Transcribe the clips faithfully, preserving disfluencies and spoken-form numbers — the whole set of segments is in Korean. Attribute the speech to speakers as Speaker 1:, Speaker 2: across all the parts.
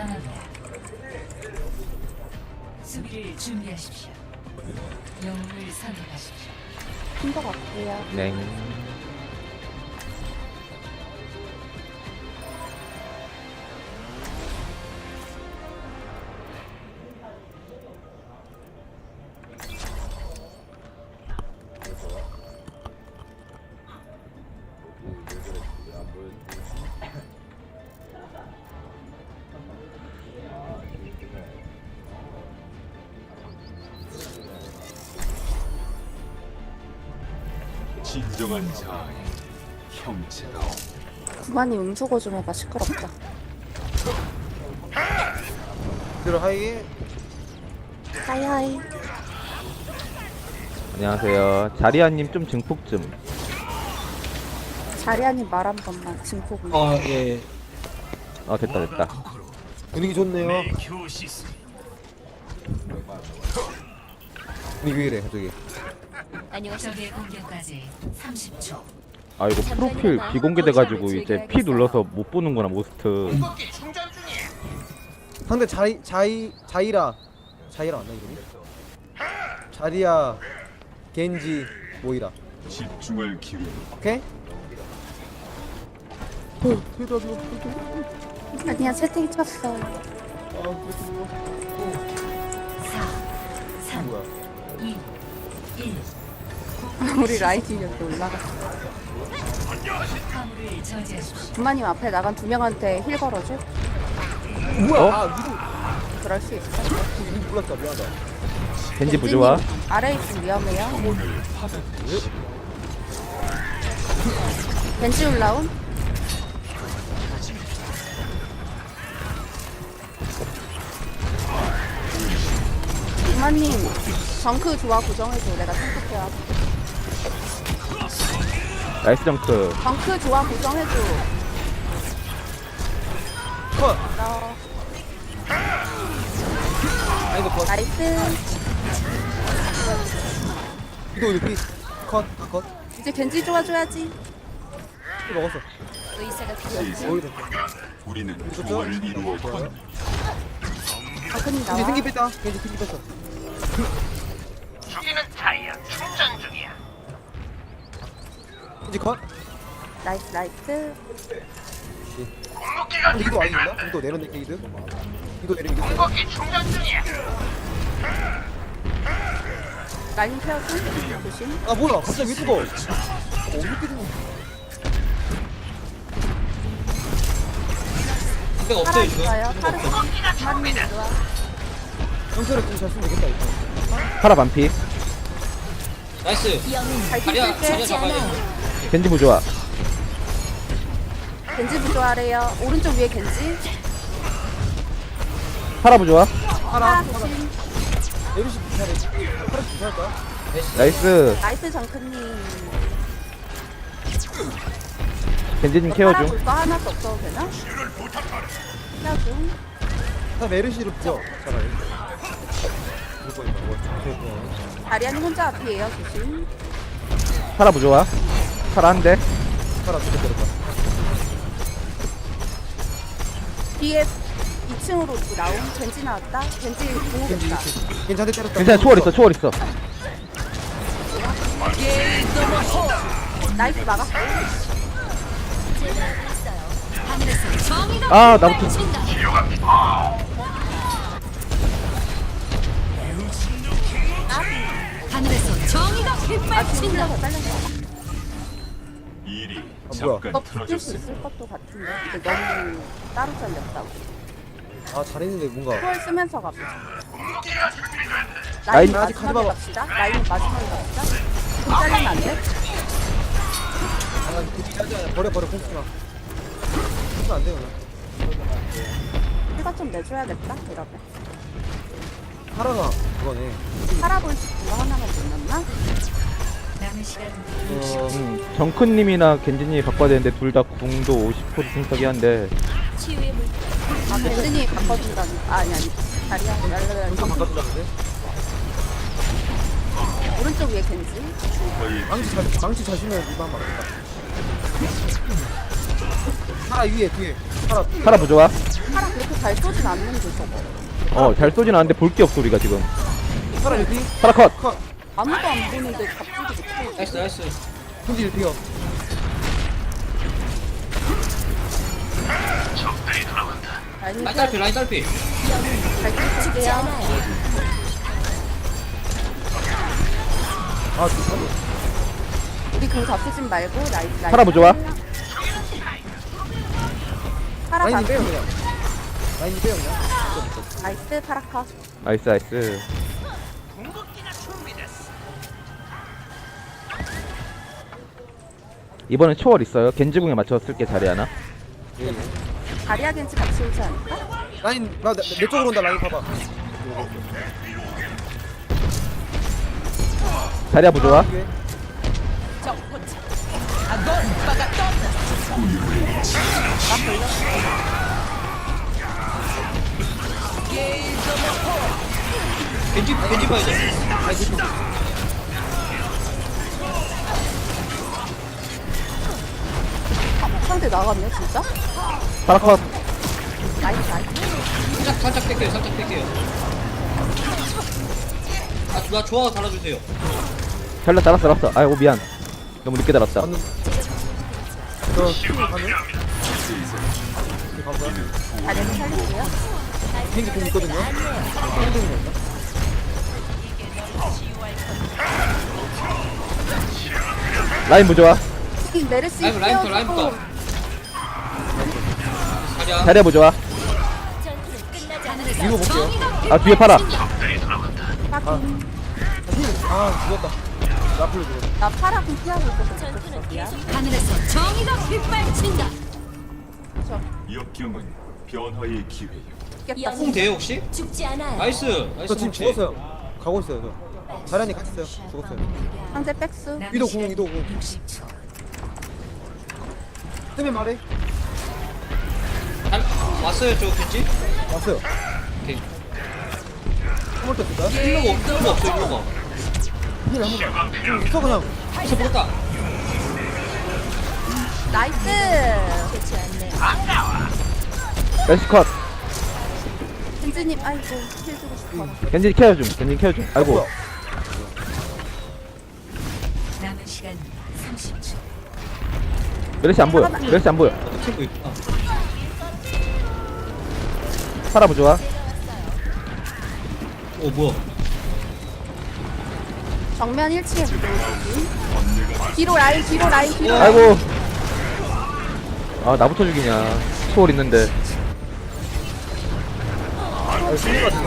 Speaker 1: 떠납니다. 수비를 준비하십시오. 영웅을 선택하십시오.
Speaker 2: 큰 거 같고요.
Speaker 3: 네.
Speaker 4: 진정한 자아의 형체다.
Speaker 2: 구만이 음소거 좀 해봐. 시끄럽다.
Speaker 5: 들어 하이.
Speaker 2: 하이하이.
Speaker 3: 안녕하세요. 자리아님 좀 증폭 좀.
Speaker 2: 자리아님 말 한 번만. 증폭은.
Speaker 5: 아 예.
Speaker 3: 어 됐다 됐다.
Speaker 5: 분위기 좋네요. 분위기 왜 이래 갑자기?
Speaker 1: 적의 공격까지 삼십 초.
Speaker 3: 아 이거 프로필 비공개돼가지고 이제 P 눌러서 못 보는구나 모스트.
Speaker 5: 상대 자이 자이 자이라 자이라 맞나 이름이? 자리야 겐지 모이라.
Speaker 4: 집중을 기울여.
Speaker 5: 오케이? 어, 뒤로 뒤로 뒤로.
Speaker 2: 아니야, 채팅 쳤어.
Speaker 1: 사, 삼,
Speaker 5: 뭐야?
Speaker 1: 이, 일.
Speaker 2: 우리 라이팅 이렇게 올라갔어.
Speaker 1: 화물을 저지하십시오.
Speaker 2: 구만님 앞에 나간 두 명한테 힐 걸어줘?
Speaker 5: 뭐야?
Speaker 3: 어?
Speaker 5: 아 위로
Speaker 2: 그럴 수 있어.
Speaker 5: 위로 몰랐다 미안하다.
Speaker 3: 겐지 부조화.
Speaker 2: 아래 있으면 위험해요.
Speaker 4: 오늘 받아들이시.
Speaker 2: 벤치 올라온? 구만님, 정크 좋아 고정해줘. 내가 선택해야.
Speaker 3: 나이스 정크.
Speaker 2: 정크 좋아 고정해줘.
Speaker 5: 컷.
Speaker 2: 너
Speaker 5: 아 이거 컷.
Speaker 2: 나이스.
Speaker 5: 이거 이거 컷. 다 컷.
Speaker 2: 이제 겐지 좋아줘야지.
Speaker 5: 이거 먹었어.
Speaker 2: 의사가 필요했지.
Speaker 5: 거의 됐어.
Speaker 4: 우리는 조화를 이루어 건
Speaker 2: 정크님
Speaker 5: 겐지
Speaker 2: 나와.
Speaker 5: 생기 뺐다. 겐지 생기 뺐어.
Speaker 6: 죽이는 타이어 충전 중이야.
Speaker 5: 겐지 컷.
Speaker 2: 나이스 나이스.
Speaker 6: 궁극기가
Speaker 5: 근데 이거 아니었나? 이거 내려내 게이드. 이거 내리면 이겼어.
Speaker 6: 궁극기 충전 중이야.
Speaker 2: 라인 태워줘. 조심.
Speaker 5: 아 뭐야? 갑자기 왜 죽어? 어, 이렇게 죽어.
Speaker 2: 팔아 있어요. 팔아. 구만님 좋아.
Speaker 5: 형태를 좀잘 쓰면 되겠다 이거.
Speaker 3: 파라 반피.
Speaker 2: 잘 뛸게.
Speaker 3: 겐지 부조화.
Speaker 2: 겐지 부조하래요. 오른쪽 위에 겐지.
Speaker 3: 파라 부조화.
Speaker 5: 하나.
Speaker 2: 팔아 조심.
Speaker 5: 에르시 비슷하네. 하나 비슷할까?
Speaker 3: 나이스.
Speaker 2: 나이스 정크님.
Speaker 3: 겐지님 케어
Speaker 2: 팔아
Speaker 3: 중.
Speaker 2: 볼거 하나도 없어도 되나? 케어 중.
Speaker 5: 나 메르시로 부져. 차라리. 이거 이거 이거.
Speaker 2: 다리아님 혼자 앞이에요. 조심.
Speaker 3: 파라 부조화. 파라 한 대.
Speaker 5: 하나 두개 때렸다.
Speaker 2: 뒤에 이 층으로 나온 겐지 나왔다. 겐지
Speaker 5: 겐지
Speaker 2: 공격했다.
Speaker 5: 이렇게. 괜찮대 때렸다.
Speaker 3: 괜찮아 초월 있어 초월 있어.
Speaker 2: 나이스 막았어.
Speaker 3: 아 나부터.
Speaker 1: 하늘에서 정의가
Speaker 2: 아 진짜 더 잘렸어.
Speaker 4: 일이
Speaker 5: 아, 뭐야.
Speaker 4: 잠깐
Speaker 2: 이거 붙일 수
Speaker 4: 틀어졌어.
Speaker 2: 있을 것도 같은데. 근데 너무 따로 잘렸다고.
Speaker 5: 아 잘했는데 뭔가.
Speaker 2: 초월 쓰면서 가보자.
Speaker 3: 라인
Speaker 2: 라인
Speaker 5: 아직
Speaker 2: 마지막에
Speaker 5: 가져봐.
Speaker 2: 갑시다. 라인 마지막에 갑시다. 좀 잘리면 안 돼?
Speaker 5: 아 그치 하자. 버려 버려 콩스나. 콩스 안 돼요 나.
Speaker 2: 휴가 좀 내줘야겠다. 이러면.
Speaker 5: 하라가 그거네.
Speaker 2: 살아볼 수 있는 거 하나만 못 넣나?
Speaker 1: 남은 시간
Speaker 5: 어
Speaker 3: 음, 정크님이나 겐지님이 바꿔야 되는데 둘 다 궁도 오십 퍼센트 생각이 한데.
Speaker 2: 아, 밴드니 바꿔준다는. 아, 아니, 아니. 다리야. 랄랄랄.
Speaker 5: 콩스 바꿔준다는데?
Speaker 2: 오른쪽 위에 겐지.
Speaker 5: 망치 잘 망치 잘 쓰면 이거 한번 막겠다. 하라 위에 뒤에. 하라.
Speaker 3: 파라 부조화.
Speaker 2: 파라 그 그렇게 잘 쏘진 않는데 저거.
Speaker 3: 어 잘 쏘진 않는데 볼 게 없어 우리가 지금.
Speaker 5: 파라 일 피.
Speaker 3: 파라 컷.
Speaker 5: 컷.
Speaker 2: 아무도 안 보는데 갑자기 못해.
Speaker 7: 나이스 나이스.
Speaker 5: 겐지 일 피요.
Speaker 2: 라인
Speaker 7: 라인 딸피 라인 딸피.
Speaker 2: 잘 쏘게요.
Speaker 5: 아 좋다.
Speaker 2: 우리 공 잡히진 말고 라인 라인.
Speaker 3: 파라 부좋아.
Speaker 2: 파라
Speaker 5: 라인이
Speaker 2: 잡.
Speaker 5: 빼요 그냥. 라인이 빼요 그냥.
Speaker 2: 나이스 파라 컷.
Speaker 3: 나이스 나이스. 이번엔 초월 있어요. 겐지궁에 맞춰서 쓸게 자리 하나.
Speaker 2: 다리아 겐지 같이 오지 않을까?
Speaker 5: 라인 나내 내 쪽으로 온다 라인 봐봐.
Speaker 3: 자리야 부좋아.
Speaker 5: 이게.
Speaker 7: 겐지 겐지 봐야 돼.
Speaker 5: 아니 겐지.
Speaker 2: 상대 나갔네 진짜?
Speaker 3: 파라 컷.
Speaker 2: 나이스 나이스.
Speaker 7: 살짝 살짝 뺄게요 살짝 뺄게요. 아나 좋아 달아주세요.
Speaker 3: 잘라 잘랐어 잘랐어. 아이고 미안. 너무 늦게 달았다.
Speaker 5: 맞는. 저 킬 가는. 킬 가고요.
Speaker 2: 다리아 살릴게요.
Speaker 5: 겐지 공 있거든요. 힐링 건가?
Speaker 3: 라인 부좋아.
Speaker 2: 이 메르시
Speaker 7: 라인 라인부터 라인부터. 자리야.
Speaker 3: 자리야 부좋아.
Speaker 1: 하늘에서
Speaker 5: 이거 볼게요.
Speaker 1: 정의가
Speaker 3: 아 뒤에 파라.
Speaker 2: 아,
Speaker 5: 힐. 아 죽었다. 나 앞으로 죽었다.
Speaker 2: 나 파라 공 피하고 있어서 못했어.
Speaker 1: 하늘에서 정의가 휘발친다.
Speaker 4: 역경은 변화의 기회요.
Speaker 2: 죽겠다.
Speaker 7: 뽕 돼요 혹시?
Speaker 1: 죽지 않아요.
Speaker 7: 나이스 나이스.
Speaker 5: 저 지금
Speaker 7: 혹시?
Speaker 5: 죽었어요. 가고 있어요 저. 자란이 같이 있어요. 죽었어요.
Speaker 2: 상대 백수.
Speaker 5: 이도 공 이도 공.
Speaker 1: 육십 초.
Speaker 5: 때문에 말해.
Speaker 7: 잘 왔어요 저 겐지?
Speaker 5: 왔어요.
Speaker 7: 오케이.
Speaker 5: 한번 더 쓸까요?
Speaker 7: 일로가 없- 일로가 없어 일로가.
Speaker 5: 힐 한번 더. 공 있어 그냥.
Speaker 7: 혹시 모르다.
Speaker 2: 나이스.
Speaker 1: 좋지 않네요.
Speaker 3: 멜시 컷.
Speaker 2: 겐지님 아이고 힐 주고 싶어.
Speaker 3: 겐지 케어 좀. 겐지 케어 좀. 아이고.
Speaker 5: 뭐야?
Speaker 1: 남은 시간 삼십 초.
Speaker 3: 멜시 안 보여. 멜시 안 보여.
Speaker 7: 어떤 친구 있구나.
Speaker 3: 파라 부좋아.
Speaker 7: 오 뭐야?
Speaker 2: 정면 일 층에 뒤로 라인 뒤로 라인 뒤로.
Speaker 3: 아이고. 아 나부터 죽이냐. 초월 있는데.
Speaker 5: 아 승리가 되네.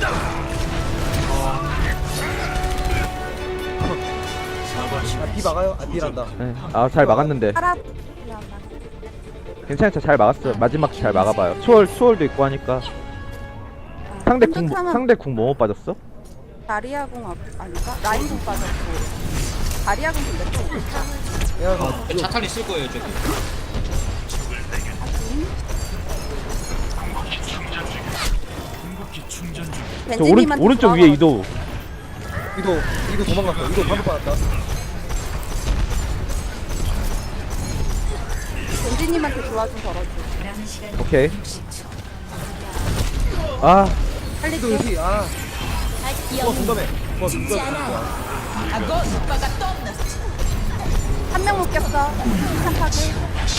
Speaker 5: 아비 막아요. 아 비란다.
Speaker 3: 네. 아잘 막았는데.
Speaker 2: 파라.
Speaker 3: 괜찮죠. 잘 막았어. 마지막 잘 막아봐요. 초월 초월도 있고 하니까. 상대 궁 뭐-
Speaker 2: 깜짝하면-
Speaker 3: 상대 궁 뭐뭐 빠졌어?
Speaker 2: 다리아 공 앞- 아닌가? 라인 공 빠졌고. 다리아 공 근데 또 있다.
Speaker 5: 야 어,
Speaker 7: 저 자탄 있을 거예요 저기.
Speaker 3: 저 오른
Speaker 2: 벤지님한테
Speaker 3: 오른쪽 위에 이도.
Speaker 5: 이도 이도 도망갔어. 이도 반복 받았다.
Speaker 2: 벤지님한테 좋아 좀 걸어줘.
Speaker 1: 남은 시간
Speaker 3: 오케이.
Speaker 1: 육십 초.
Speaker 3: 아
Speaker 5: 이도
Speaker 2: 살릴게.
Speaker 5: 일피. 아. 어 공감해. 어 누가
Speaker 2: 한 명 못 꼈어. 한파게.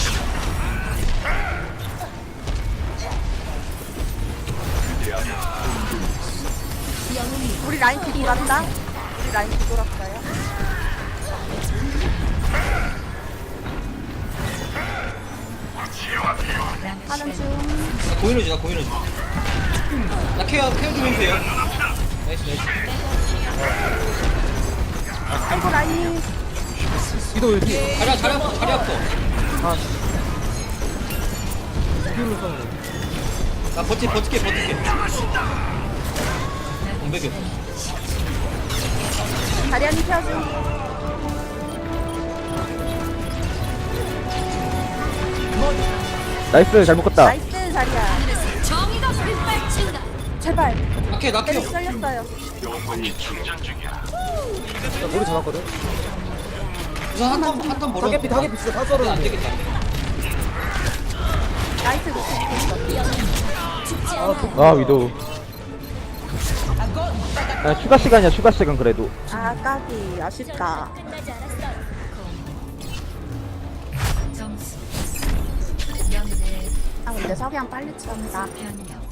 Speaker 2: 우리 라인 뒤돌았다. 우리 라인 뒤돌았어요.
Speaker 1: 남은
Speaker 2: 하는
Speaker 1: 시간
Speaker 2: 중.
Speaker 7: 나 고인호지 나 고인호지. 나 케어 케어 좀 해주세요. 나이스 나이스.
Speaker 2: 아이고 라인.
Speaker 5: 이도 일피.
Speaker 7: 자리 자리 아파 자리 아파.
Speaker 5: 아. 힐로 썼는데.
Speaker 7: 나 버티 버티게 버티게. 공백이 없어.
Speaker 2: 다리안이 펴줘.
Speaker 3: 나이스 잘 묶었다.
Speaker 2: 나이스 자리야.
Speaker 1: 하늘에서 정의가 휘발친다.
Speaker 2: 제발.
Speaker 7: 낙해 낙해.
Speaker 2: 때려 썰렸어요.
Speaker 4: 변화의 기회.
Speaker 5: 나 머리 잡았거든.
Speaker 7: 우선 한턴한턴 벌어.
Speaker 5: 타겟피 타겟피 진짜 다
Speaker 7: 안
Speaker 5: 썰었는데.
Speaker 7: 되겠다.
Speaker 2: 나이스 놓쳤어.
Speaker 3: 아 위도. 아, 추가 시간이야 추가 시간 그래도.
Speaker 2: 아 까비 아쉽다.
Speaker 1: 점수 영대
Speaker 2: 아 근데 석양 빨리 치웠다.
Speaker 1: 변경.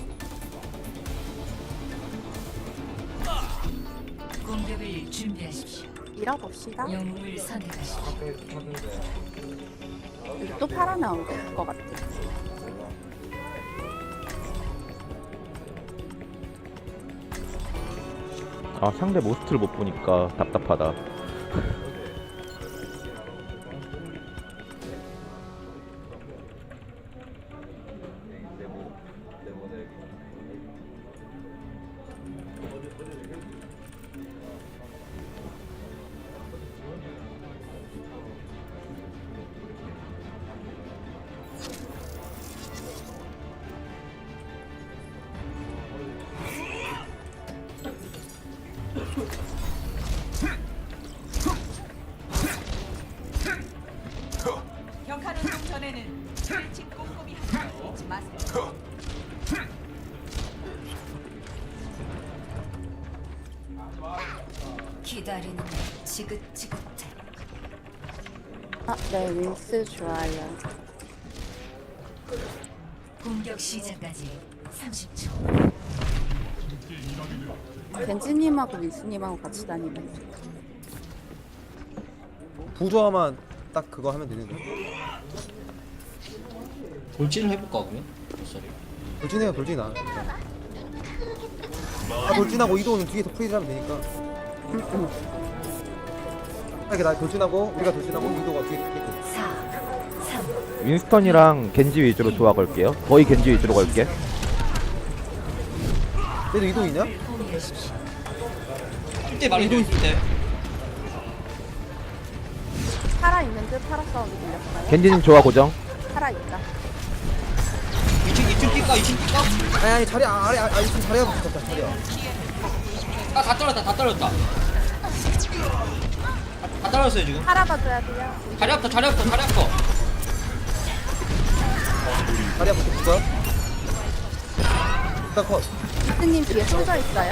Speaker 1: 공격을 준비하십시오.
Speaker 2: 밀어봅시다.
Speaker 1: 영웅을 선택하십시오.
Speaker 2: 또 팔아 나올 것 같아.
Speaker 3: 아 상대 모스트를 못 보니까 답답하다.
Speaker 8: 격한 운동 전에는 일찍 꼼꼼히 하지 잊지 마세요.
Speaker 1: 기다리는 지긋지긋해.
Speaker 2: 아네 윈스 좋아요.
Speaker 1: 공격 시작까지 삼십 초.
Speaker 2: 벤지님하고 윈스님하고 같이 다니면
Speaker 5: 부조화만 딱 그거 하면 되는데.
Speaker 7: 돌진을 해볼까 그러면? 쏘리.
Speaker 5: 돌진해요 돌진 나. 아 돌진하고 이도는 뒤에서 프리즈 하면 되니까. 이렇게 나 돌진하고 우리가 돌진하고 이도가 뒤에 있고.
Speaker 1: 사, 삼,
Speaker 3: 윈스턴이랑 겐지 위주로 조화 걸게요. 거의 겐지 위주로 걸게.
Speaker 5: 얘도 이도 있냐?
Speaker 1: 포기하십시오.
Speaker 7: 이때 말해줘 이때.
Speaker 2: 팔아 있는 듯 팔아 싸움이 들렸어요.
Speaker 3: 겐지님 조화 고정.
Speaker 2: 팔아 있다.
Speaker 7: 이층 이층 뛸까 이층 뛸까?
Speaker 5: 아니 아니 자리 아, 아래 아 지금 자리가 붙었다 자리야.
Speaker 7: 아다 떨어졌다 다 떨어졌다. 다 떨어졌어요 지금.
Speaker 2: 팔아 봐줘야 돼요.
Speaker 7: 자리 앞터 자리 앞터 자리 앞터.
Speaker 5: 자리야 붙었어. 일단 컷.
Speaker 2: 윈스님 뒤에 쏠져 있어요.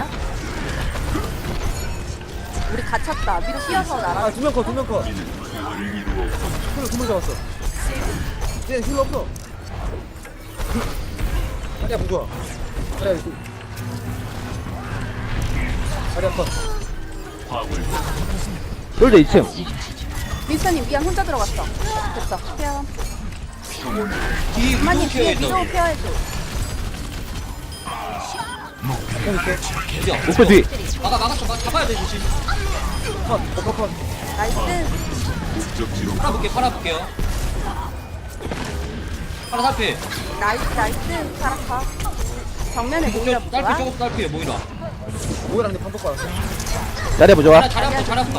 Speaker 2: 우리 갇혔다. 위로 뛰어서 날아.
Speaker 5: 아 두 명 컷 두 명 컷. 힐러 두명 잡았어. 얘 힐러 없어. 자리야 부조화. 자리야 이거. 자리야 컷.
Speaker 3: 솔저 이 층.
Speaker 2: 윈스님 미안 혼자 들어갔어. 됐어. 피어.
Speaker 7: 뒤
Speaker 2: 엄마님
Speaker 7: 위도
Speaker 2: 뒤에
Speaker 7: 케어해줘.
Speaker 2: 위도 피어해줘.
Speaker 7: 어디야?
Speaker 3: 목표 뒤.
Speaker 7: 막아 막았어 막 잡아야 돼 조심.
Speaker 5: 컷. 어, 컷 컷.
Speaker 2: 나이스.
Speaker 7: 팔아볼게 팔아볼게요. 팔아 살피.
Speaker 2: 나이스 나이스. 파라카. 정면에 모이라
Speaker 7: 딸피
Speaker 2: 보자.
Speaker 7: 저거 딸피 모이라.
Speaker 5: 뭐랑 내 반복 받았어.
Speaker 3: 자리 부조화.
Speaker 7: 하나 자리 앞터 자리 앞터.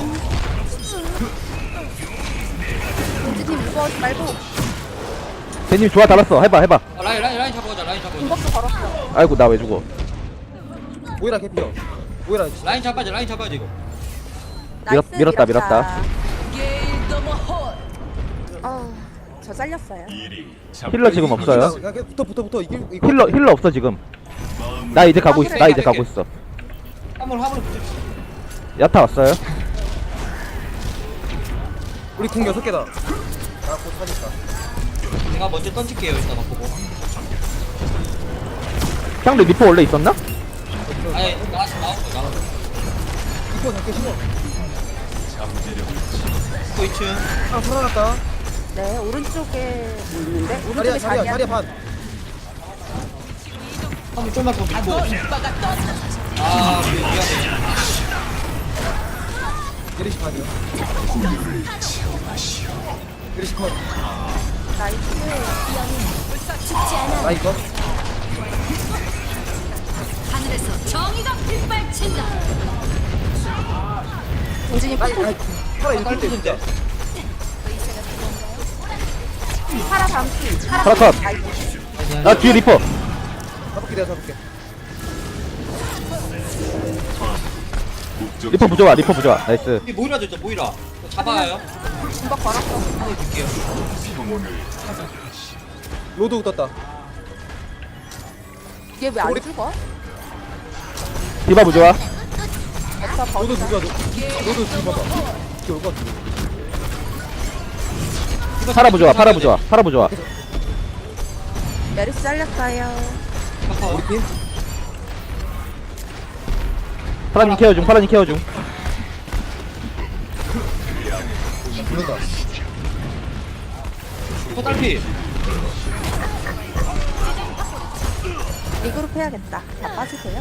Speaker 2: 윈스님 무거워지 말고
Speaker 3: 겐지님 조화 달았어. 해봐 해봐.
Speaker 7: 아, 라인 라인 라인 잡아보자 라인 잡아보자.
Speaker 2: 중복도 걸었어.
Speaker 3: 아이고 나 왜 죽어.
Speaker 5: 모이라 개피어. 모이라
Speaker 7: 라인 잡아야지 라인 잡아야지 이거.
Speaker 3: 밀었-
Speaker 2: 나이스,
Speaker 3: 밀었다, 밀었다.
Speaker 2: 어, 저 잘렸어요.
Speaker 3: 힐러 지금 없어요.
Speaker 5: 그냥 계속 붙어 붙어 붙어 이길 이거.
Speaker 3: 힐러 힐러 없어 지금. 나 이제 가고 있어. 나 이제 가고 있어.
Speaker 7: 화물 화물 붙여.
Speaker 3: 야타 왔어요.
Speaker 5: 우리 궁 여섯 개다. 나곧 사니까.
Speaker 7: 제가 먼저 던질게요 이따가 보고.
Speaker 3: 상대 리퍼 원래 있었나?
Speaker 7: 아니 나왔어 나왔어 나왔어.
Speaker 5: 이거 작게 심어.
Speaker 7: 또 이 층.
Speaker 5: 아 살아났다.
Speaker 2: 네, 오른쪽에 뭐 있는데?
Speaker 5: 자리야
Speaker 2: 오른쪽에
Speaker 5: 자리야
Speaker 2: 자리야.
Speaker 5: 자리야 반.
Speaker 7: 화물 좀만 더 밀고. 아 미안해.
Speaker 5: 예리시 반이요. 예리시 컷.
Speaker 2: 나이스.
Speaker 5: 나 이거.
Speaker 1: 하늘에서 정의가 빗발친다.
Speaker 2: 공진이
Speaker 5: 나
Speaker 2: ปุ๊
Speaker 5: 아 팔아 이길 때 진짜.
Speaker 2: 파라 담기. 파라
Speaker 3: 파라 컷.
Speaker 2: 나이스.
Speaker 3: 나 뒤에 리퍼.
Speaker 5: 잡을게 내가 잡을게.
Speaker 3: 리퍼 부조화. 리퍼 부조화. 나이스.
Speaker 7: 이 모이라 줬죠 모이라. 이거 잡아요.
Speaker 2: 중복 걸었어.
Speaker 7: 하늘 줄게요.
Speaker 5: 로드 떴다.
Speaker 2: 얘 왜 안 죽어?
Speaker 3: 디바 부좋아.
Speaker 2: 엑사
Speaker 5: 너도
Speaker 2: 버리자.
Speaker 5: 누가 너 너도 지금 봐봐. 이게 올것 같은데.
Speaker 3: 파라 부좋아. 파라 부좋아. 파라 부좋아.
Speaker 2: 메르시 잘렸어요.
Speaker 7: 카카
Speaker 5: 우리 팀?
Speaker 3: 파라님 케어 중. 파라님 케어 중.
Speaker 5: 죽는다.
Speaker 7: 또 딸피.
Speaker 2: 리그룹 해야겠다. 다 빠지세요.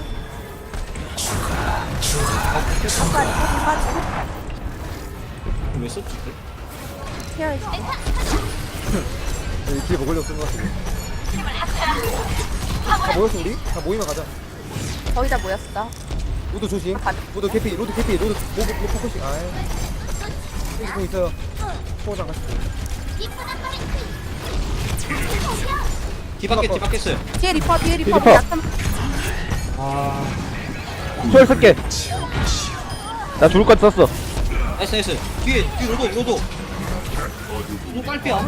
Speaker 2: 아빠 리그룹 빠지고
Speaker 7: 왜 썼지?
Speaker 2: 케어해줘.
Speaker 5: 여기 뒤에 먹으려고 쓴 것 같은데. 다 모였어 우리? 다 모이면 가자.
Speaker 2: 거의 다 모였어.
Speaker 5: 로드 조심.
Speaker 2: 가-
Speaker 5: 로드 개피. 로드 개피. 로드 로드 로드 포커싱. 아이. 여기 공 있어요. 포장 같이.
Speaker 7: 뒤바뀌 뒤바뀌었어요.
Speaker 2: 뒤에 리퍼 뒤에 리퍼.
Speaker 3: 리퍼.
Speaker 2: 약간
Speaker 3: 초월 쓸게. 나 죽을 것 썼어.
Speaker 7: 나이스 나이스. 뒤에 뒤 로도 로도. 로 딸피야.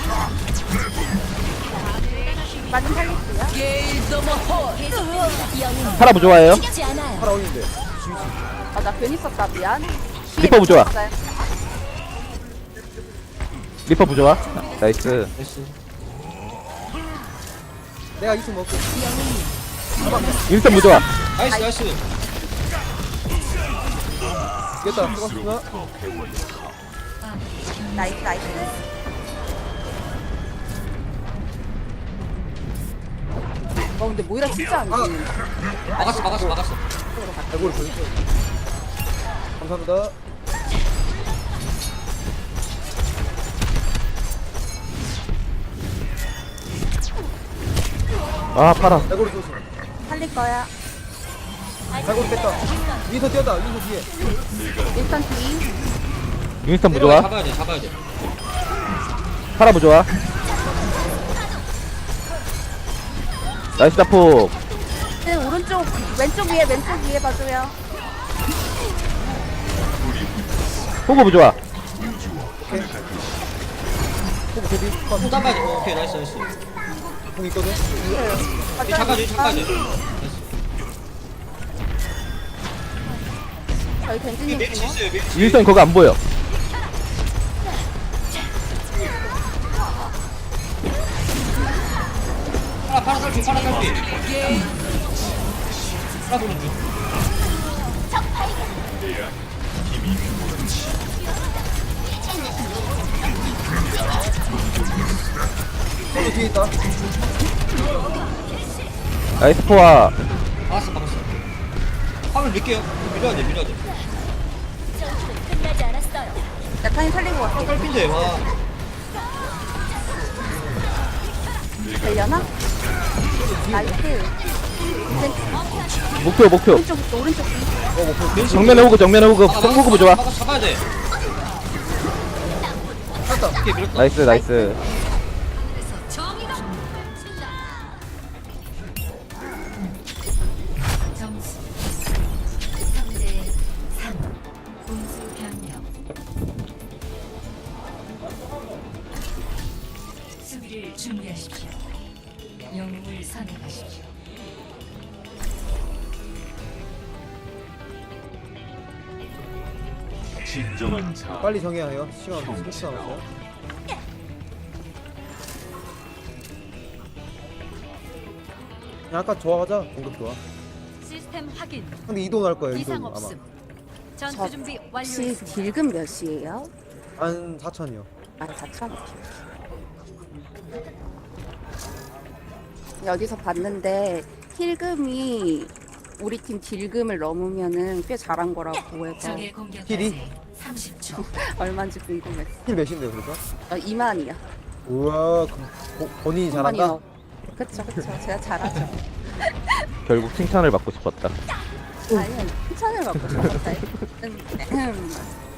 Speaker 2: 많이 살릴게요.
Speaker 3: 파라 부좋아해요.
Speaker 5: 팔아 올리는데.
Speaker 2: 아 나 괜히 썼다 미안. 뒤에
Speaker 3: 리퍼 부좋아.
Speaker 2: 있어요.
Speaker 3: 리퍼 부좋아. 나이스.
Speaker 7: 나이스.
Speaker 5: 내가 이승 먹게.
Speaker 3: 윈스턴 부좋아.
Speaker 7: 나이스 나이스.
Speaker 5: 이겼다. 수고하셨습니다.
Speaker 2: 나이스 나이스. 어 근데 모이라 진짜 안
Speaker 5: 아.
Speaker 2: 죽는다.
Speaker 7: 막았어 막았어 막았어.
Speaker 5: 대고를 보여주세요. 감사합니다.
Speaker 3: 아 파라.
Speaker 5: 대고를 쏘시.
Speaker 2: 살릴 거야.
Speaker 5: 대고를 뺐다. 위에서 뛰었다. 위에서 뒤에.
Speaker 2: 일단 뒤.
Speaker 3: 윈스턴
Speaker 7: 내려와,
Speaker 3: 부좋아.
Speaker 7: 잡아야 돼 잡아야 돼.
Speaker 3: 파라 부좋아. 나이스 다폭.
Speaker 2: 네, 오른쪽 왼쪽 위에 왼쪽 위에 봐줘요.
Speaker 3: 호구 부좋아.
Speaker 5: 호구 개비.
Speaker 7: 또 잡아야 돼. 어, 오케이 나이스 나이스.
Speaker 5: 공 있거든.
Speaker 7: 뒤 잡아줘 잡아줘.
Speaker 2: 저희
Speaker 7: 뒤에
Speaker 2: 벤지님
Speaker 7: 메리치
Speaker 2: 주고.
Speaker 7: 있어요 메리치.
Speaker 3: 윈스턴 거기 안 보여.
Speaker 7: 파라 파라 딸피 파라 딸피. 파라 보는 중.
Speaker 5: 호구 뒤에 있다.
Speaker 3: 나이스 포화.
Speaker 7: 막았어 막았어. 화물 밀게요. 밀어야 돼 밀어야 돼.
Speaker 2: 야탄이 살린 것 같아.
Speaker 7: 딸피인데 와.
Speaker 2: 되려나? 나이스.
Speaker 3: 목표 목표.
Speaker 2: 오른쪽 오른쪽 뒤.
Speaker 3: 정면에 호구 정면에 호구.
Speaker 7: 막아, 막아,
Speaker 3: 호구 부좋아.
Speaker 7: 막아 잡아야 돼.
Speaker 5: 땄다.
Speaker 7: 오케이 밀었다.
Speaker 3: 나이스 나이스.
Speaker 1: 하늘에서 정의가 빗발친다. 점수 삼 대 삼. 공수 변경. 수비를 준비하십시오. 영웅을 선택하십시오.
Speaker 4: 진정한 자
Speaker 5: 빨리 정해야 해요. 시간 십 초 남았어요. 야, 아까 좋아하자. 공격 좋아.
Speaker 1: 시스템 확인.
Speaker 5: 근데 이동할 거예요.
Speaker 1: 이상
Speaker 5: 이동 아마.
Speaker 1: 없음. 전투
Speaker 2: 저
Speaker 1: 준비
Speaker 2: 혹시
Speaker 1: 완료했습니다.
Speaker 2: 딜금 몇이에요?
Speaker 5: 한 사천이요.
Speaker 2: 아 사천. 여기서 봤는데 힐금이 우리 팀 딜금을 넘으면은 꽤 잘한 거라고 해서
Speaker 1: 적의 공격까지
Speaker 5: 힐이?
Speaker 1: 삼십 초.
Speaker 2: 얼마인지 궁금했어.
Speaker 5: 힐 몇인데요, 그래서?
Speaker 2: 어, 이만이야.
Speaker 5: 우와, 그, 보, 본인이 잘한다?
Speaker 2: 이만이요. 그쵸 그쵸 제가 잘하죠.
Speaker 3: 결국 칭찬을 받고 싶었다.
Speaker 2: 아니요 칭찬을 받고 싶었다. 음,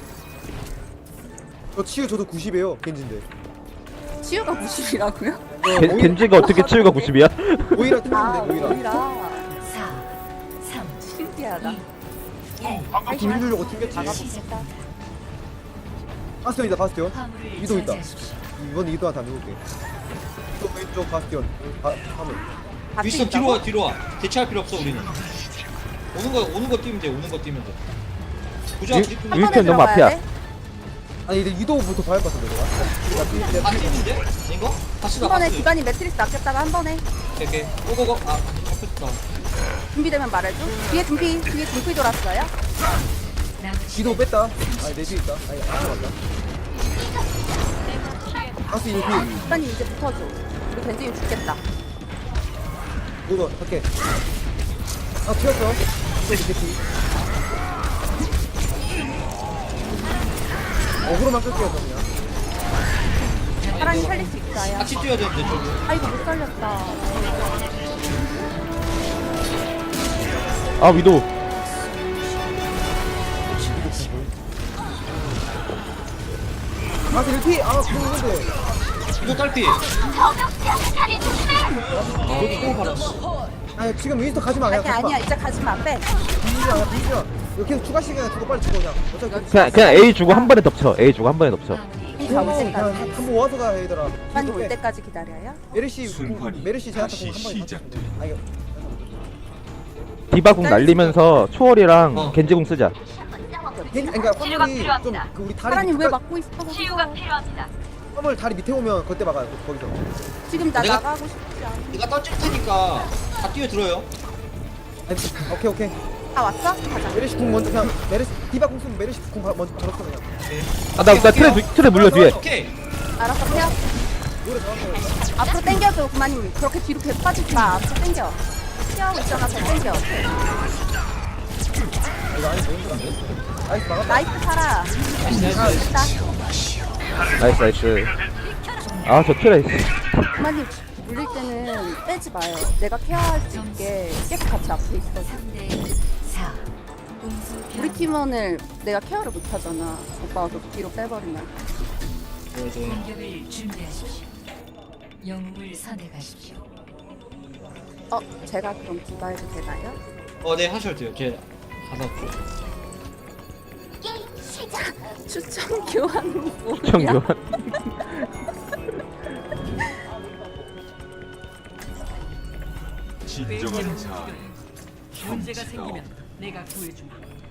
Speaker 5: 저 치유 저도 구십이에요, 겐진데.
Speaker 2: 치유가 구십이라고요?
Speaker 3: 겐, 겐지가 어떻게 치유가 구십이야?
Speaker 5: 오히려
Speaker 2: 아
Speaker 5: 틀린데, 오히려.
Speaker 2: 오히려
Speaker 1: 사, 삼,
Speaker 2: 신기하다.
Speaker 1: 일.
Speaker 5: 딜주려고 튕겼지.
Speaker 2: 나가봅시다.
Speaker 5: 바스티온이다, 바스티온.
Speaker 1: 화물을
Speaker 5: 이동 있다.
Speaker 1: 저지하십시오.
Speaker 5: 이번 이동한 다 누울게. 또 왼쪽 바스티온. 바, 화물.
Speaker 2: 같이
Speaker 7: 윈스턴 뒤로
Speaker 2: 있다고?
Speaker 7: 와 뒤로 와 대체할 필요 없어 우리는 오는 거 오는 거 뛰면 돼 오는 거 뛰면 돼 부자
Speaker 3: 윈-
Speaker 7: 뒤
Speaker 2: 한
Speaker 3: 윈스턴
Speaker 2: 번에
Speaker 3: 너무
Speaker 2: 들어가야
Speaker 3: 앞이야.
Speaker 2: 돼?
Speaker 5: 아니 이제 유도부터 더 할 것 같은데 내가. 내가 뒤-
Speaker 7: 다
Speaker 5: 내가 뒤-
Speaker 7: 뛰는데? 이거? 다시다
Speaker 2: 한 번에
Speaker 7: 다시
Speaker 2: 기반이 매트리스 아꼈다가 한 번에
Speaker 7: 오케이 오케이 고고고 아 잡혔다
Speaker 2: 준비되면 말해줘. 뒤에 준비, 뒤에 준비 돌았어요.
Speaker 5: 유도 뺐다. 아니 내 뒤에 있다. 아니 안 들어간다. 가스 유도.
Speaker 2: 기반이 이제 붙어줘. 우리 벤진이 죽겠다.
Speaker 5: 이거 할게. 아 튀었어. 이거 이렇게 뒤. 어그로만 끌게요 그냥.
Speaker 2: 사람이 살릴 수 있어요.
Speaker 7: 같이 뛰어야 되는데 저기
Speaker 2: 아이고 못 살렸다.
Speaker 3: 아 위도.
Speaker 5: 가스 일 피. 아 그런데.
Speaker 7: 이거 딸피
Speaker 5: 아니 지금 윈스터 가지마 그냥
Speaker 2: 아니
Speaker 5: 가지마.
Speaker 2: 아니야 이제 가지마 빼.
Speaker 5: 빈지야 빈지야. 이거 계속 추가 시간에 주고 빨리 죽어 그냥. 어차피
Speaker 3: 그냥 그냥 A 주고 한 번에 덮쳐. A 주고 한 번에 덮쳐.
Speaker 2: 이 잡을
Speaker 5: 그냥
Speaker 2: 때까지.
Speaker 5: 한번 모아서 가 얘들아.
Speaker 2: 기반이 올 때까지 기다려요.
Speaker 5: 메르시
Speaker 4: 순환이
Speaker 5: 메르시 제압
Speaker 4: 다시
Speaker 5: 한번
Speaker 4: 시작돼.
Speaker 5: 아 이거
Speaker 3: 디바궁 날리면서 초월이랑
Speaker 7: 어.
Speaker 3: 겐지궁 쓰자.
Speaker 5: 겐 그러니까 화물이 좀 그 우리 다리
Speaker 2: 사람이 왜
Speaker 5: 밑까지-
Speaker 2: 막고 있어? 거기서.
Speaker 5: 화물 다리 밑에 오면 그때 막아요 그- 거기서.
Speaker 2: 지금 나
Speaker 7: 내가-
Speaker 2: 나가고 싶지 않아.
Speaker 7: 내가 던질 테니까 다 뛰어들어요
Speaker 5: 아니, 오케이 오케이.
Speaker 2: 다 왔어? 가자.
Speaker 5: 메르시 궁 먼저 그냥 메르시 디바 궁 쓰면 메르시 궁 바- 먼저 걸었어 그냥.
Speaker 3: 아나 나 틀에 뒤- 틀에 물려 뒤에.
Speaker 7: 오케이
Speaker 2: 알았어 태워.
Speaker 5: 노래 잘한다.
Speaker 2: 앞으로 당겨줘 그만님. 그렇게 뒤로 계속 빠지지 마. 앞으로 당겨. 피하고 있잖아. 잘 당겨.
Speaker 5: 이거 아니 메인도 안 돼. 나이스 막았다.
Speaker 2: 나이스 살아. 됐다.
Speaker 3: 나이스 나이스. 아 저 틀에.
Speaker 2: 그만님 물릴 때는 빼지 마요. 내가 케어할 수 있게 계속 같이 앞에 있어.
Speaker 1: 삼 대 사. 공수
Speaker 2: 우리 팀원을 내가 케어를 못 하잖아. 오빠가 계속 뒤로 빼버리면.
Speaker 1: 공격을 준비하십시오. 영웅을 선택하십시오.
Speaker 2: 어, 제가 그럼 디바해도 되나요?
Speaker 7: 어네 하셔도 돼요 제 가서
Speaker 2: 추천 교환은 뭐야?
Speaker 3: 청교환.
Speaker 4: 진정한 자
Speaker 8: 문제가 생기면 내가 구해주마.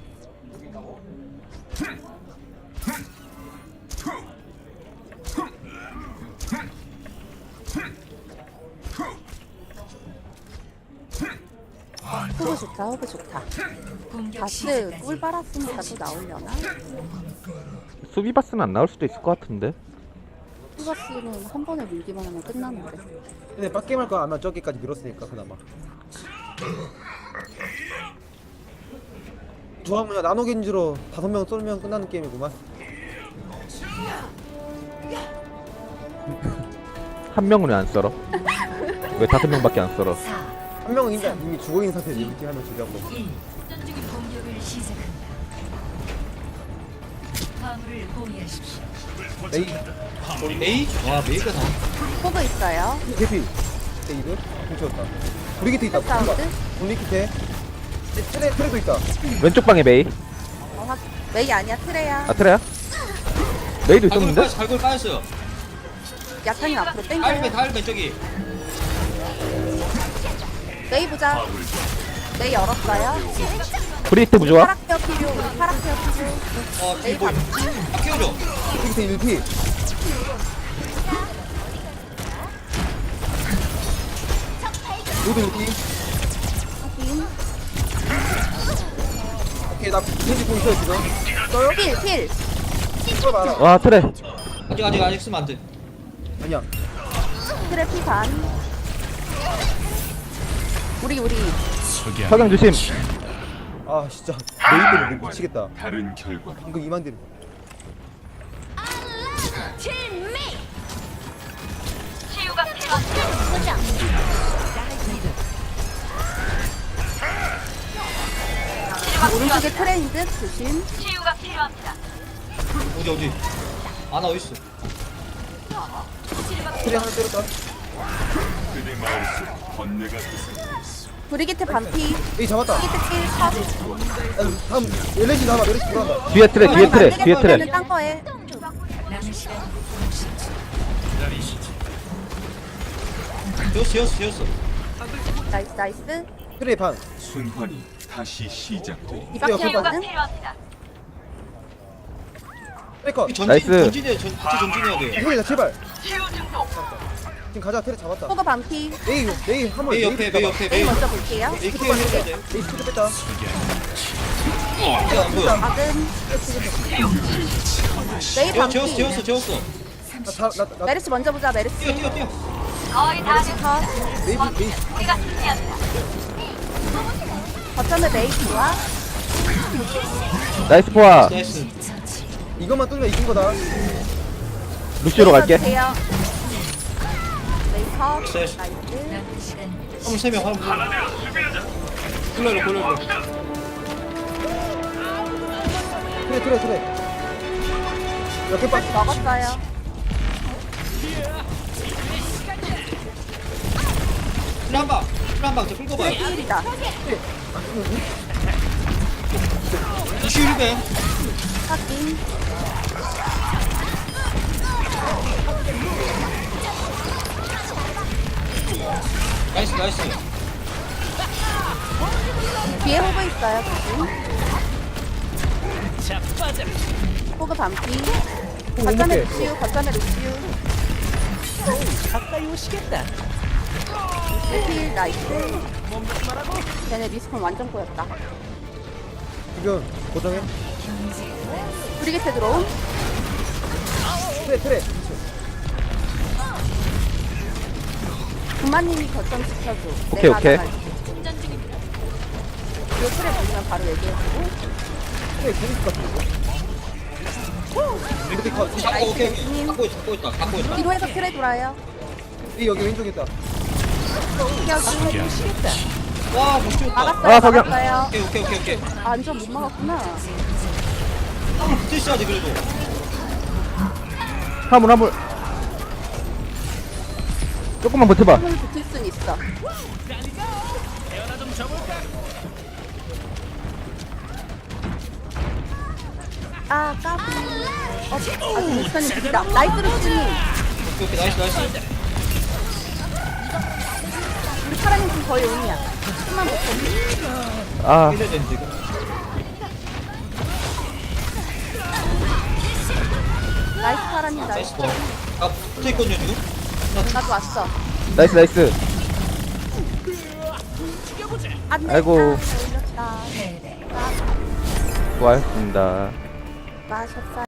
Speaker 2: 호그 좋다, 호그 좋다.
Speaker 1: 공격
Speaker 2: 바스
Speaker 1: 시작까지
Speaker 2: 꿀 빨았으니까 또 나오려나?
Speaker 3: 수비바스는 안 나올 수도 있을 것 같은데.
Speaker 2: 호그바스는 한 번에 밀기만 하면 끝나는데.
Speaker 5: 근데 빡게임 할 거 아마 저기까지 밀었으니까 그나마. 조합 나노 겐지로 다섯 명 쏠면 끝나는 게임이구만.
Speaker 3: 한 명은 왜 안 썰어? 왜 다섯 명밖에 안 썰어?
Speaker 2: 네.
Speaker 1: 사,
Speaker 5: 한 명은 이미, 이미 죽어있는 상태에서 이렇게 하면 죽여고.
Speaker 1: 일. 공격을 시작한다. 화물을 포기하십시오.
Speaker 5: 메이
Speaker 7: 메이? 와 메이가 다
Speaker 2: 호그 있어요.
Speaker 5: 개피. 데이드 훔쳤다. 우리 기태 있다.
Speaker 2: 사운드.
Speaker 5: 우리 기태. 트레 트레도 있다.
Speaker 3: 왼쪽 방에 메이.
Speaker 2: 어, 확- 메이 아니야, 트레야.
Speaker 3: 아 트레야? 메이도
Speaker 7: 갈골
Speaker 3: 있었는데?
Speaker 7: 빠졌어 갈골 빠졌어요
Speaker 2: 약간이 앞으로
Speaker 7: 다일배
Speaker 2: 땡겨요.
Speaker 7: 다일배 저기
Speaker 2: 메이 보자. 메이 열었어요.
Speaker 3: 브리트 부조화?
Speaker 2: 파락케어 필요, 우리 파락케어 필요.
Speaker 7: 어 뒤에
Speaker 2: 메이
Speaker 7: 뭐
Speaker 2: 봤지?
Speaker 7: 아, 키워줘
Speaker 5: 우리 기태 일 피. 모두 일 피.
Speaker 2: 확인.
Speaker 5: 오케이 나 겐지 공 있어요 지금. 써요?
Speaker 2: 필, 필.
Speaker 5: 써 봐라.
Speaker 3: 와 트레.
Speaker 7: 아직 아직 아직 쓰면 안돼
Speaker 5: 아니야.
Speaker 2: 트레 피 반. 우리, 우리.
Speaker 3: 석양 조심.
Speaker 5: 아 진짜 메이드를 못 미치겠다.
Speaker 4: 다른 결과
Speaker 5: 이거 이만 딜.
Speaker 2: 오른쪽에 트레인 듯 조심.
Speaker 7: 어디 어디 아나 어딨어
Speaker 5: 트레 하나 때렸다.
Speaker 4: 그대 마음속 번뇌가 되살고
Speaker 2: 브리기트 반피.
Speaker 5: 에이 잡았다.
Speaker 2: 브리기트 필 컷.
Speaker 5: 야, 다음 엘레지 나와 메르시 돌아간다.
Speaker 3: 뒤에 트레 뒤에 트레 뒤에 트레.
Speaker 2: 딴 거에.
Speaker 1: 남은 시간
Speaker 7: 지웠어 지웠어 지웠어
Speaker 2: 나이스 나이스.
Speaker 5: 트레이 반.
Speaker 4: 순환이 다시 시작되리.
Speaker 2: 디바
Speaker 5: 옆에
Speaker 2: 키웠거든.
Speaker 5: 트레이커.
Speaker 7: 전진
Speaker 3: 나이스.
Speaker 7: 전진해 전 같이 전진해야 돼.
Speaker 5: 힐이다 제발. 지금 가자 트레 잡았다.
Speaker 2: 호그 반피.
Speaker 5: 메이 메이 한번
Speaker 7: 메이 옆에 메이 옆에
Speaker 2: 메이
Speaker 7: 메이
Speaker 2: 먼저 볼게요.
Speaker 7: 메이 케어 해야 돼.
Speaker 5: 메이 스피드 뺐다.
Speaker 7: 이제 안 보여.
Speaker 2: 아금. 메이
Speaker 7: 재웠어 재웠어
Speaker 2: 반피.
Speaker 7: 재웠어 재웠어.
Speaker 5: 나나나
Speaker 2: 메르시 먼저 보자 메르시.
Speaker 7: 뛰어 뛰어 뛰어.
Speaker 2: 메르시 컷.
Speaker 5: 메이 메이.
Speaker 2: 거점에 메이 좋아.
Speaker 3: 나이스 포화.
Speaker 7: 나이스.
Speaker 5: 이것만 뚫면 이긴 거다.
Speaker 3: 루시오로 갈게.
Speaker 2: 메이 컷.
Speaker 7: 나이스.
Speaker 2: 나이스.
Speaker 1: 남은 시간
Speaker 7: 화물 세 명, 화물 세 명. 굴러라, 굴러라.
Speaker 5: 트레 트레 트레. 몇개 빠.
Speaker 2: 먹었어요.
Speaker 7: 힐 한 방, 힐 한 방, 저 끌고 봐요.
Speaker 2: 힐이다.
Speaker 7: 이슈 힐배.
Speaker 2: 확인.
Speaker 7: 나이스, 나이스.
Speaker 2: 뒤에 호그 있어요 지금. 호그 반피. 거점에 루시우 거점에 루시우.
Speaker 8: 가까이 오시겠다.
Speaker 2: 힐 나이스. 걔네 리스폰 완전 꼬였다.
Speaker 5: 지금 고정해.
Speaker 2: 브리게트 들어옴.
Speaker 5: 트레 트레.
Speaker 2: 구마님이 거점 지켜줘.
Speaker 3: 오케이,
Speaker 2: 내가
Speaker 3: 오케이.
Speaker 2: 나갈게. 뒤에 틀에 보면 바로 얘기해주고.
Speaker 5: 트레 재밌을 것 같은데. 근데 거
Speaker 7: 잡고, 오케이, 오케이. 갖고 있다, 갖고 있다, 갖고 있다.
Speaker 2: 뒤로 해서 틀에 돌아요.
Speaker 5: 이 여기 왼쪽에 있다.
Speaker 2: 피하기.
Speaker 7: 와, 못 찍었다.
Speaker 2: 막았어요
Speaker 3: 아, 석양.
Speaker 2: 막았어요.
Speaker 7: 오케이, 오케이, 오케이, 오케이.
Speaker 2: 아, 완전 못 막았구나.
Speaker 7: 화물 붙어 있어야지, 그래도.
Speaker 3: 화물 화물. 조금만 버텨봐.
Speaker 2: 손을 붙을 순 있어. 아, 까비. 어, 아, 루스탄이 죽이다. 나이스 루스님.
Speaker 7: 오케이, 오케이, 나이스, 나이스.
Speaker 2: 우리 파라님 지금 거의 온이야. 좀만 버텨.
Speaker 3: 아
Speaker 7: 힐해야 되는데, 이거.
Speaker 2: 나이스 파라님 나이스.
Speaker 7: 나이스. 아, 붙어 있거든요, 지금?
Speaker 2: 나도 왔어.
Speaker 3: 나이스 나이스.
Speaker 2: 안 돼.
Speaker 3: 아이고.
Speaker 2: 아, 올렸다.
Speaker 1: 패배.
Speaker 3: 수고하셨습니다.
Speaker 2: 마셨어요.